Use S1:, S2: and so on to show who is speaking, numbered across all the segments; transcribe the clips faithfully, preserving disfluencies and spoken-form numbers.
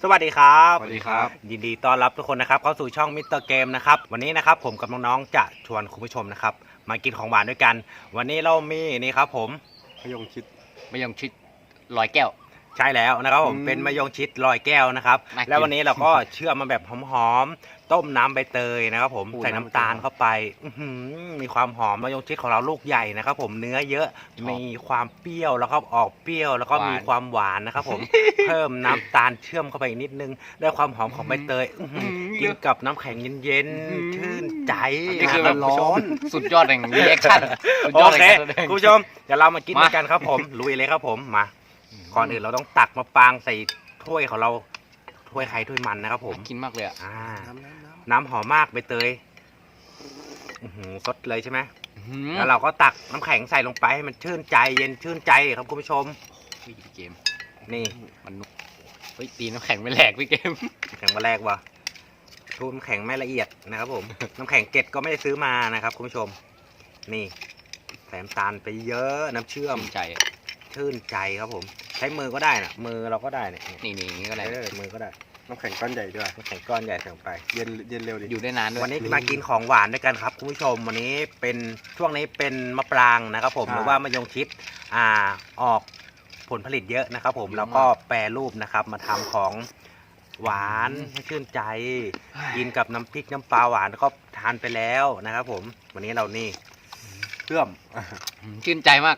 S1: สวัสดีครับ
S2: สวัสดีครับ
S1: ยินดีต้อนรับทุกคนนะครับเข้าสู่ช่องมิสเตอร์เกมนะครับวันนี้นะครับผมกับน้องๆจะชวนคุณผู้ชมนะครับมากินของหวานด้วยกันวันนี้เรามีนี่ครับผม
S2: มะยงชิด
S3: มะยงชิดลอยแก้ว
S1: ใช่แล้วนะครับผมเป็นมะยงชิดลอยแก้วนะครับแล้ววันนี้เราก็เชื่อมมาแบบหอมๆต้มน้ำใบเตยนะครับผมใส่น้ำตาลเข้าไปมีความหอมมะยงชิดของเราลูกใหญ่นะครับผมเนื้อเยอะมีความเปรี้ยวแล้วก็ออกเปรี้ยวแล้วก็มีความหวานนะครับผมเพิ่มน้ำตาลเชื่อมเข้าไปอีกนิดนึงได้ความหอมของใบเตยกินกับน้ำแข็งเย็นๆชื่นใจ
S3: นี่คือแบบร้อนสุดยอดแห่งรีแอคชั่นสุดยอ
S1: โอ
S3: ด
S1: เค
S3: แห่ง
S1: คุณผู้ชมเดี๋ยวเรามากินด้วยกันครับผมลุยเลยครับผมมาก่อนอื่นเราต้องตักมาปางใส่ถ้วยของเราถ้วยใครถ้วยมันนะครับผม
S3: กินมากเลยอ่ะ
S1: น้ำน้ำน้ำน้ำหอมมากใบเตยสดเลยใช่ไหมแล้วเราก็ตักน้ำแข็งใส่ลงไปให้มันชื่นใจเย็นชื่นใจครับคุณผู้ชม
S3: พี่เกม
S1: นี่
S3: มันเฮ้ยตีน้ำแข็งไม่แหลกพี่เกม
S1: แข็งมาแรกวะชูน้ำแข็งไม่ละเอียดนะครับผมน้ำแข็งเกล็ดก็ไม่ได้ซื้อมานะครับคุณผู้ชมนี่ใส่น้ำตาลไปเยอะน้ำเชื่อม
S3: ใจ
S1: ชื่นใจครับผมใช้มือก็ได้นะมือเราก็ได้เนี่ย
S3: นี่นี่ก็ได้
S1: มือก็ได้
S2: น้ำแข็งก้อนใหญ่ด้วย
S1: น้ำแข็งก้อนใหญ่ลงไป
S2: เย็นเย็นเร็วดิ
S3: อยู่ได้นานด้วย
S1: วันนี้มากินของหวานด้วยกันครับคุณผู้ชมวันนี้เป็นช่วงนี้เป็นมะปรางนะครับผมหรือว่ามะยงชิดอ่าออกผลผลิตเยอะนะครับผมแล้วก็แปรรูปนะครับมาทำของหวานให้ชื่นใจกินกับน้ำพริกน้ำปลาหวานก็ทานไปแล้วนะครับผมวันนี้เรานี่
S2: เชื่อม
S3: ชื่นใจมาก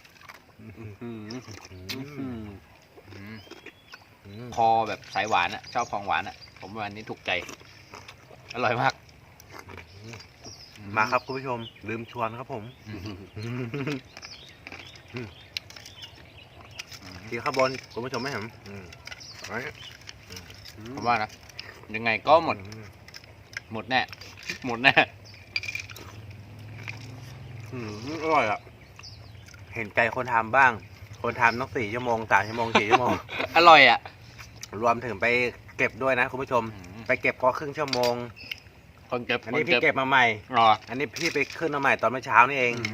S3: คอแบบสายหวานอ่ะชอบของหวานอ่ะผมวันนี้ถูกใจอร่อยมาก
S1: มาครับคุณผู้ชมลืมชวนครับผมกินข้าวบนคุณผู้ชมไม่เห็น
S3: ผมว่านะยังไงก็หมดหมดแน่หมดแน่
S1: อร่อยอ่ะเห็นใจคนทำบ้างคนทำต้องสี่ชั่วโมงสามชั่วโมงสี่ชั่วโมง
S3: อร่อยอ่ะ
S1: รวมถึงไปเก็บด้วยนะคุณผู้ชมไปเก็บก็ครึ่งชั่วโมง
S3: คนเก็บ
S1: อันนี้พี่เก็บมาใหม่
S3: รอ
S1: อันนี้พี่ไปขึ้นมาใหม่ตอนเมื่อเช้านี่เอง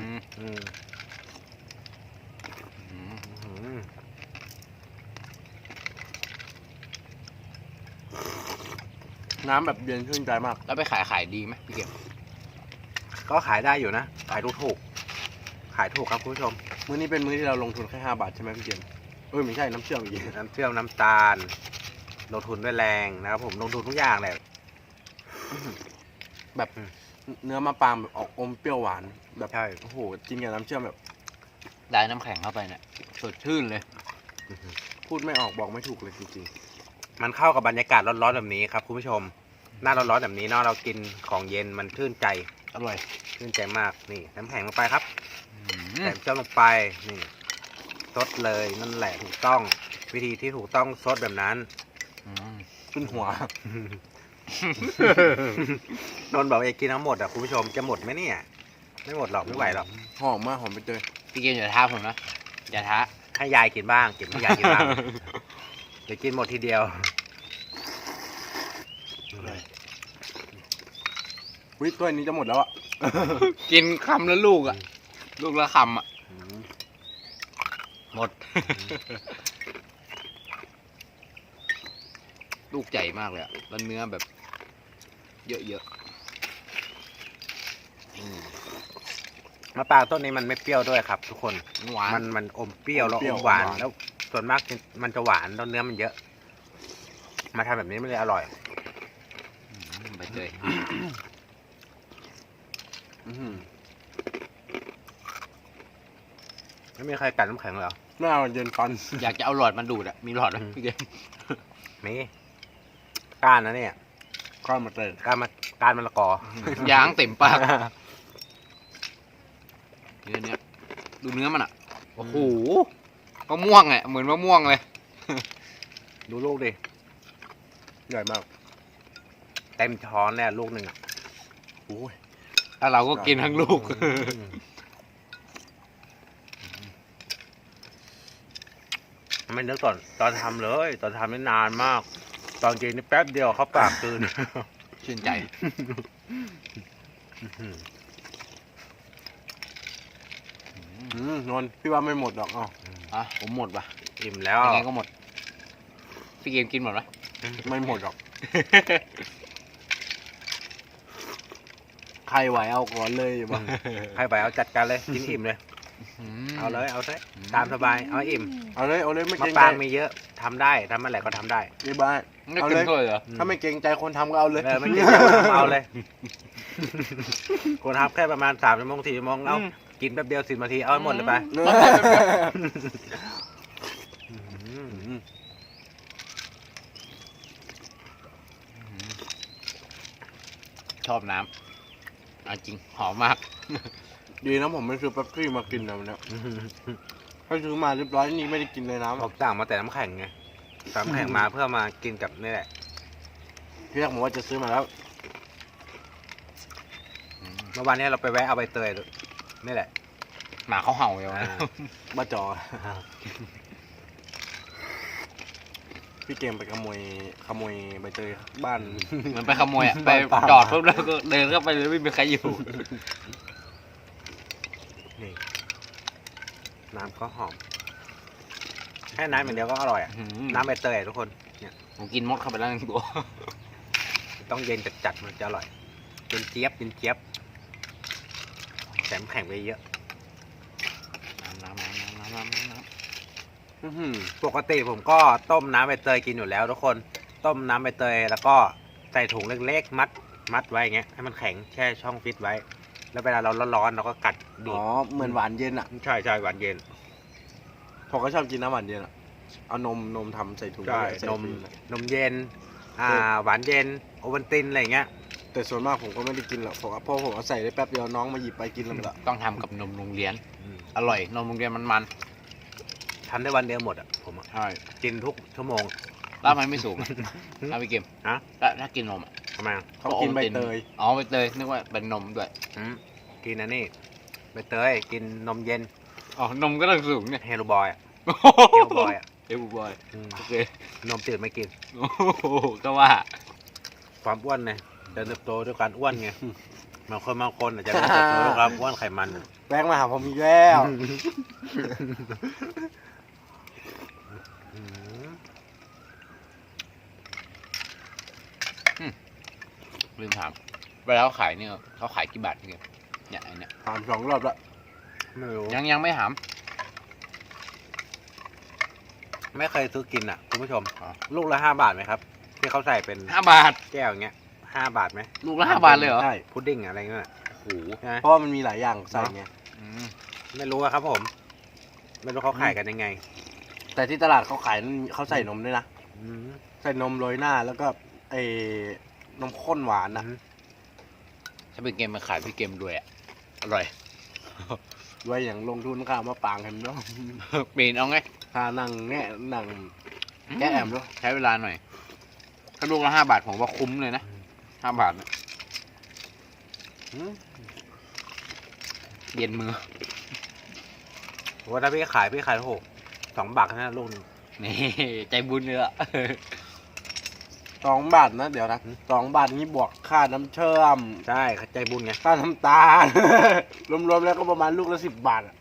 S2: น้ำแบบเย็นชื่นใจมาก
S3: แล้วไปขายขายดีไหมพี่เก็บ
S1: ก็ขายได้อยู่นะขายถูกขายถูกครับคุณผู้ชม
S2: มื้อนี้เป็นมื้อที่เราลงทุนแค่ห้าบาทใช่ไหมพี่เกมเออไม่ใช่น้ำเชื่อมอีก
S1: น้ำเชื่อมน้ำตาลลงทุนด้วยแรงนะครับผมลงทุนทุกอย่างแหละ
S2: แบบเนื้อมะปรางแบบออกอมเปรี้ยวหวานแบบใช่โอ้โหกินกับน้ำเชื่อมแบบ
S3: ได้น้ำแข็งเข้าไปเนี่ยสดชื่นเลย
S2: พูดไม่ออกบอกไม่ถูกเลยจริง
S1: ๆมันเข้ากับบรรยากาศร้อนๆแบบนี้ครับคุณผู้ชมหน้าร้อนๆแบบนี้เนาะเรากินของเย็นมันชื่นใจ
S2: อร่อย
S1: ชื่นใจมากนี่น้ำแข็งลงไปครับใส่เจ้าลงไปนี่ซดเลยนั่นแหละถูกต้องวิธีที่ถูกต้องซดแบบนั้น
S2: ขึ้นหัวน
S1: นท์บอกเองกินทั้งหมดอ่ะคุณผู้ชมจะหมดไหมเนี่ยไม่หมดหรอกไม่ไหวหรอก
S2: หอมมากหอมไปเลย
S3: พี่เกมอย่าท้าผมนะอย่าท้า
S1: ให้ยายกินบ้างเก็บให้ยายกินบ้างเดี๋ยวกินหมดทีเดียว
S2: วิตัวนี้จะหมดแล้วอ่ะ
S3: กินคำละลูกอ่ะลูกละคำอ่ะหมดลูกใหญ่มากเลยอ่ะแล้วเนื้อแบบเยอะ
S1: ๆมะปรางต้นนี้มันไม่เปรี้ยวด้วยครับทุกคน
S3: หวาน
S1: มันมันอมเปรี้ยวแล้วอมหวานแล้วส่วนมากมันจะหวานแล้วเนื้อมันเยอะมาทำแบบนี้มันเลยอร่อย
S3: ไปเลย
S1: ไม่มีใครกัดน้ำแข็งเหรอ
S2: ไม่เอาเย็นฟัน
S3: อยากจะเอาหลอดมาดูดอ่ะมีหลอดไหมพี่เกม
S1: มีก้านนะเนี่ย
S2: ก้านมะเตย
S1: ก้านมะก้านมะละก
S3: อยางเต็มปากเนื้อเนี้ยดูเนื้อมันอ่ะโอ้โหมะม่วงไงเหมือนมะม่วงเลย
S1: ดูลูกดิ
S2: ใหญ่มาก
S1: เต็มช้อนเนี่ยลูกหนึ่งอ่ะ
S2: โอ้ย
S3: ถ้าเราก็กินทั้งลูก
S1: ไม่นึกตอนตอนทำเลยตอนทำนี่นานมากตอนกินนี่แป๊บเดียวเขาปากตื่น
S3: ชื่นใจ
S2: นนท์พี่ว่าไม่หมดหรอกอ๋อ
S3: อ่ะผมหมดป่ะ
S1: อิ่มแล้ว
S3: ยังไงก็หมดพี่เกมกินหมดไหม
S2: ไม่หมดหรอก ใครไหวเอาก่อนเลยบ้าง
S1: ใครไปเอาจัดการเลยกินอิ่มเลย เอาเลยเอาเลยตามสบายเอาให้อิ่ม
S2: เอาเลยเอาเลยไม่
S1: มะ
S2: เกรง
S1: ปรา
S2: ใจ
S1: งมีเยอะทำได้ทำอะไรก็ทำได้
S2: นี่บ้าน
S3: ไม่
S2: เอา
S3: กิ
S2: เล
S3: น
S2: ย
S3: ด้วยเหรอ
S2: ถ้าไม่เกรงใจคนทำก็เอาเลย
S1: เออไม่กินเยอะเอาเลยคนทำแค่ประมาณสามชั่วโมงสี่ชั่วโมงเอากินแป๊บเดียวสิบนาทีเอาให้หมดเลยไป
S3: ชอบน้ำเอาจริงหอมมาก
S2: ดีนะผมไม่ซื้อเป๊ปซี่มากินนะวันเนี้ยถ้าซื้อมาเรียบร้อยนี่ไม่ได้กินเลยน้ำ
S1: ผมสั่งมาแต่น้ำแข็งไงสั่งน้ำแข็งมาเพื่อมากินกับนี่แหละ
S2: ที่แรกผมว่าจะซื้อมาแล้ว
S1: เมื่อวานนี้เราไปแวะเอาใบเตยนี่แหละ
S3: หมาเขาเห่าอยู่
S1: อ่า
S3: นะ
S2: บ้าจอ พี่เกมไปขโมยขโมยใบเตยบ้าน
S3: เหมันไปขโมยอ่ะ ไป
S2: บ้าน
S3: จอดปุ๊บแล้วก็เดินเข้าไปเลยไม่มีใครอยู่
S1: นี่น้ำก็หอมแค่น้ำอย่างเดียวก็อร่อยอะน้ำใบเตยอะทุกคนเนี่ย
S3: ผมกินมดเข้าไปแล้วหนึ่งตัว
S1: ต้องเย็นจัดๆมันจะอร่อยเป็นเจี๊ยบเป็นเจี๊ยบแถมแข็งไปเยอะ
S3: น้ำน้ำน้ำน้ำน้ำน้ำน้
S2: อื้อหือ
S1: ปกติผมก็ต้มน้ำใบเตยกินอยู่แล้วทุกคนต้มน้ำใบเตยแล้วก็ใส่ถุงเล็กๆมัดมัดไว้อย่างเงี้ยให้มันแข็งแช่ช่องฟิตไว้ แล้วเวลาเราร้อนๆเราก็กัดดู
S2: อ๋อ
S1: ด
S2: เหมือนหวานเย็นอ่ะ
S1: ใช่ใช่หวานเย็น
S2: ผมก็ชอบกินน้ำหวานเย็นอ่ะ เอานมนมทำใส่ถุง
S1: ใช่
S2: ใส่
S1: นม
S2: ฟิล์นะ
S1: นมเย็นอ่าหวานเย็นโอวัลตินอะไรอย่างเงี้ย
S2: แต่ส่วนมากผมก็ไม่ได้กินหรอกผมเพราะผมเอาใส่ได้แป๊บเดียวน้องมาหยิบไปกินแล้วหมดละ
S3: ำต้องทำกับนมโรงเรียน อร่อย นมโรงเรียนมันมัน
S1: ทำได้วันเดียวหมดอ่ะผมอะ
S3: ใช่
S1: กินทุกชั่วโมง
S3: แล้วมันไม่สูงอะถ้าพี่เกม
S1: ฮะ
S3: แล้วถ้ากินนมอะ
S1: ทำไมอะ
S2: เขากินใบเตย
S3: อ๋อใบเตยนึกว่าเป็นนมด้วย
S1: อืมกินอันนี้ใบเตยกินนมเย็น
S3: อ๋อนมก็ต้องสูงเนี่ย
S1: เฮลบอยอ่ะเฮลบอยอ่ะ
S3: เอฟบอย
S1: อืม
S3: โอเคน
S1: มจืดไม่กิน
S3: โอ้โหก็ว่า
S1: ความอ้วนไงเดินเติบโตด้วยการอ้วนไงบางคนบางคนอาจจะเดินเติบโตด้วยความอ้วนไขมันอะ
S2: แป้งมาหาผมอีกแล้ว
S1: อืม
S3: ลืมถามเวลาเขาขายเนี่ยเขาขายกี่บาทพี่เกมเนี่ยไอเนี่ย
S2: ถามสองรอบละ
S1: ไม่รู้
S3: ยังยังไม่ถาม
S1: ไม่เคยซื้อกินอ่ะคุณผู้ชม
S3: อ๋อ
S1: ลูกละห้าบาทไหมครับ ที่เขาใส่เป็น
S3: ห้าบาท
S1: แก้วอย่างเงี้ยห้าบาทไหม
S3: ลูกละห้าบาทเลยเหรอ
S2: ใช่
S1: พุดดิ้งอะไรเงี้ย
S3: โอ้โห
S1: ใช่ไหม
S2: เพราะว่ามันมีหลายอย่างใส่ไง
S3: อืม
S1: ไม่รู้อะครับผม ไม่รู้เขาขายกันยังไง
S2: แต่ที่ตลาดเขาขายนั่นเขาใส่นมด้วยนะ
S1: อืม
S2: ใส่นมโรยหน้าแล้วก็ไอ้นมข้นหวานนะ
S3: ถ้าเป็นเกมมาขายพี่เกมด้วยอ่ะอร่อย
S2: ด้วยอย่างลงทุนข้าวมาปางกันเนาะ
S3: ปีนเอาไง
S2: ค่านั่งแง่นั่งแก้แอมเนาะ
S3: ใช้เวลาหน่อย ถ้าลูกละห้าบาทผมว่าคุ้มเลยนะห้าบาทเนี่ย
S2: อืม
S3: เย็นมือ
S1: ว่าถ้าพี่ขายพี่ขายหกสองบาทแค่นั้นลูกหนึง
S3: นี่ใจบุญเลยอะ
S2: สองบาทนะเดี๋ยวนะสองบาทนี้บวกค่าน้ำเชื่อม
S1: ใช่ใจบุญไง
S2: ค่าน้ำตาล รวมๆแล้วก็ประมาณลูกละสิบบาทอะ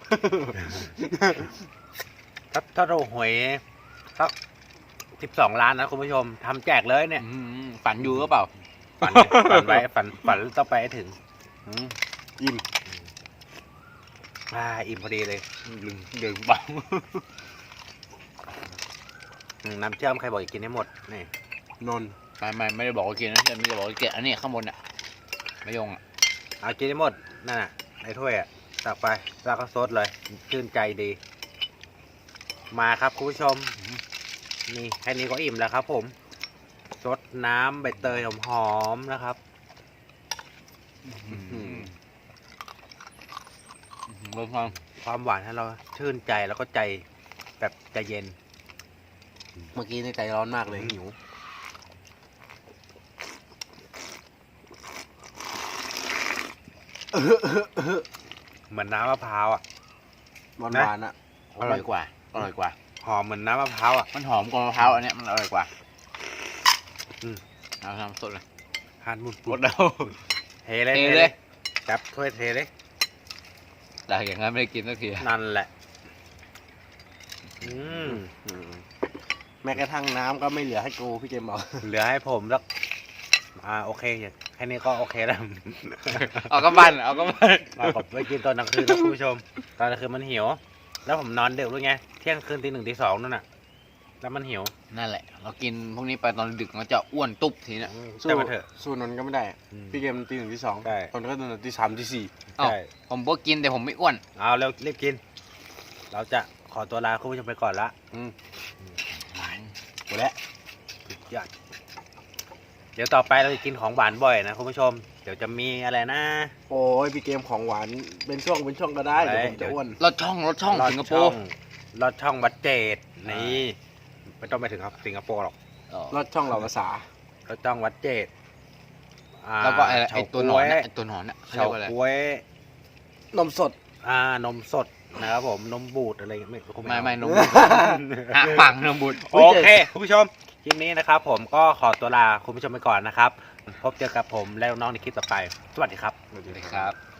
S1: ถ้าถ้าเราหวยสักสิบสองล้านนะคุณผู้ชมทำแจกเลยเนี่ย
S3: อืมฝันอยู่ก็เปล่า
S1: ฝันไงฝันไว้ฝันฝันต้องไปให้ถึง
S2: อืมอิ่ม
S1: อ่าอิ่มพอดีเลย
S3: ดึงดึงเปล่า
S1: อืมน้ำเชื่อมใครบอกอยากกินให้หมดนี่
S2: นนท์
S3: ไม่ไม่ไม่ได้บอกว่ากินนะแต่ไม่ได้บอกว่าเกะอันนี้ข้างบนอ่ะไม่ยงอ่ะ
S1: เอากินให้หมดนั่นน่ะในถ้วยอ่ะตักไปแล้วก็ซดเลยชื่นใจดี มาครับคุณผู้ชมนี่แค่นี้ก็อิ่มแล้วครับผมซดน้ำใบเตยหอมๆนะครับ
S3: อืมรสความ
S1: ความหวานให้เราชื่นใจแล้วก็ใจแบบใจเย็น
S2: เมื่อกี้ในใจร้อนมากเลยหิว
S1: เหมือนน้ำมะพร้าวอ่ะ
S2: หวาน
S1: นะ
S2: หวานๆอะ
S3: อร่อยกว่าอร่อยกว่า
S1: หอมเหมือนน้ำมะพร้าวอ่ะ
S3: มันหอมกว่ามะพร้าวอันเนี้ยมันอร่อยกว่า
S1: อืม
S3: เอาทำสดเลย
S1: ทานมุน
S3: หมดแล้ว
S1: เทเลย
S3: เท
S1: เท
S3: เล
S1: เลย ยจับถ้วยเทเลย
S3: แต่อย่างนั้นไม่ได้กินสักที
S1: นั่นแหละ อืม
S2: อืมแม้กระทั่งน้ำก็ไม่เหลือให้กูพี่เกมบอก
S1: เหลือให้ผมแล้วอ่าโอเคแค่นี้ก็โอเคแล้ว
S3: เอาก็บ้านเอาก็บ้าน
S1: เราก็ไปกินตอนกลางคืนนะคุณผู้ชม ตอนกลางคืนมันหิว แล้วผมนอนดึกด้วยไง เที่ยงคืนตีหนึ่งตีสองนั่นน่ะ แล้วมันหิว
S3: นั่นแหละ เรากินพวกนี้ไปตอนดึกมันจะอ้วนตุ๊บทีเนี่ย
S2: สู้
S1: แต่มาเถอะ
S2: สู้นนท์ก็ไม่ได้
S1: อืม
S2: พี่เกมตีหนึ่งที่สอง
S1: ใช่
S2: ตอนนนท์ก็ตื่นตีสามตีสี่
S3: เอ้า
S1: ใช่
S3: ผมก็กินแต่ผมไม่อ้วน
S1: เอาเร็วรีบกิน เราจะขอตัวลาคุณผู้ชมไปก่อนละ
S2: อืม
S1: หมดแล้วสุดยอดเดี๋ยวต่อไปเราจะกินของหวานบ่อยนะคุณผู้ชม เดี๋ยวจะมีอะไรนะ
S2: โอ้ยพี่เกมของหวานเป็นช่วงเป็นช่วงก็ได้เดี๋ยวผมจะอ้วน
S3: รถช่องรถช่อง
S1: ลอด
S3: สิงคโป
S1: ช่อ
S3: ร์
S1: งลอดช่องวัดเจดนี่ไม่ต้องไปถึงครับสิงคโปร์หรอก
S2: รอดช่องเราภาษา
S1: ลอดช่องวัดเจดอ่า
S3: แล้วก็ไอ้ไอ้
S1: เฉา
S3: ตัวหน
S1: ก๊
S3: อ
S1: วน ย
S3: น่ะไอ้ตัวหนอนน่ะเขาเรี
S1: เฉาย
S3: กว่าอะไร
S1: ก๊วย
S2: นมสด
S1: อ่านมสดนะครับผมนมบูดอะไรไม่รู้
S3: ไม่ไม่
S1: เอา
S3: นมบุตรหักปังนมบุตร
S1: โอเคคุณผู้ชมคลิปนี้นะครับ ผมก็ขอตัวลาคุณผู้ชมไปก่อนนะครับ พบเจอกับผมและน้องๆในคลิปต่อไป สวัสดีครับ
S3: สวัสดีครับ